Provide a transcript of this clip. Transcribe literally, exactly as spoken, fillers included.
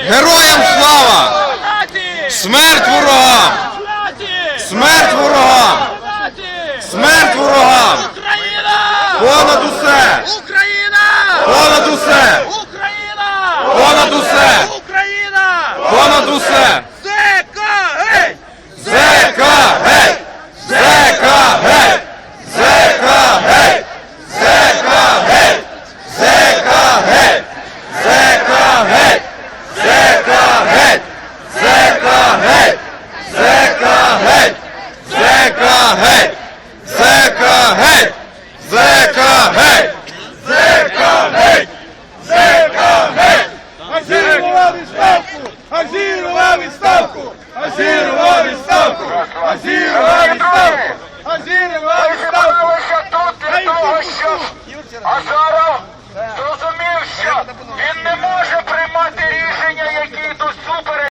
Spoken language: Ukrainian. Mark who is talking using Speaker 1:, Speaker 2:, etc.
Speaker 1: Героям слава! Смерть ворогам! Смерть ворогам! Смерть ворогам! Понад усе! Понад усе! Понад усе! Понад усе! Зека геть! Зека геть! Зека геть! Зека геть! Зека геть! Зека геть! Зека геть! Зека геть! Зека геть! Зека геть! Зека геть! Зека геть! Зека геть! Зека геть!
Speaker 2: Азірова відставку! Азірова відставку! Азірова відставку! Азірова відставку!